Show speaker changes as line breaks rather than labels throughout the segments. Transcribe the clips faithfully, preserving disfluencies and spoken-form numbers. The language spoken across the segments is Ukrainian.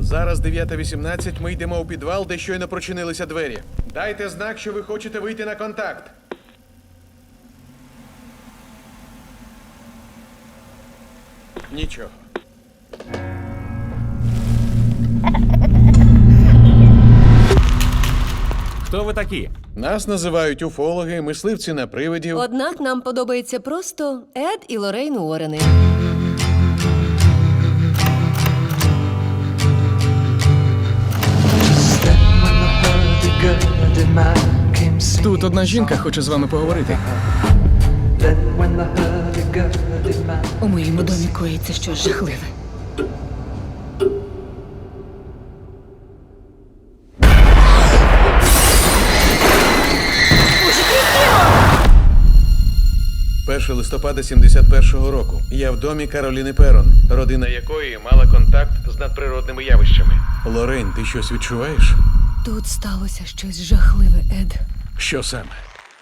Зараз дев'ята вісімнадцять, ми йдемо у підвал, де щойно прочинилися двері. Дайте знак, що ви хочете вийти на контакт. Нічого.
Хто ви такі?
Нас називають уфологи, мисливці на привидів.
Однак нам подобається просто Ед і Лоррейн Уоррени.
Тут одна жінка хоче з вами поговорити.
У моєму домі коїться щось жахливе.
першого листопада сімдесят першого року. Я в домі Кароліни Перон, родина якої мала контакт з надприродними явищами. Лоррейн, ти щось відчуваєш?
Тут сталося щось жахливе, Ед.
Що саме?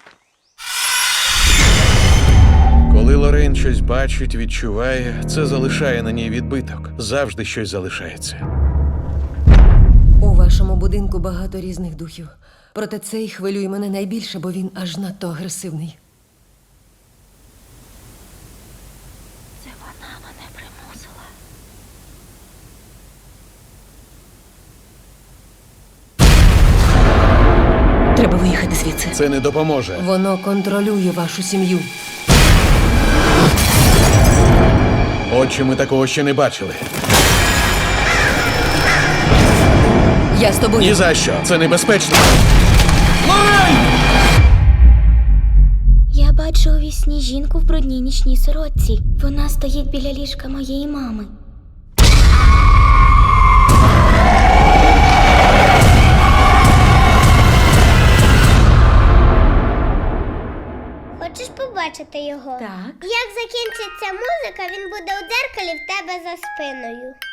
Коли Лоррейн щось бачить, відчуває, це залишає на ній відбиток. Завжди щось залишається.
У вашому будинку багато різних духів. Проте цей хвилює мене найбільше, бо він аж надто агресивний.
Це вона мене примусила.
Треба виїхати звідси.
Це не допоможе.
Воно контролює вашу сім'ю.
Отче, ми такого ще не бачили.
Я з тобою.
Ні за що. Це небезпечно.
Я бачу у вісні жінку в брудній нічній сорочці. Вона стоїть біля ліжка моєї мами.
Хочеш побачити його?
Так.
Як закінчиться музика, він буде у дзеркалі в тебе за спиною.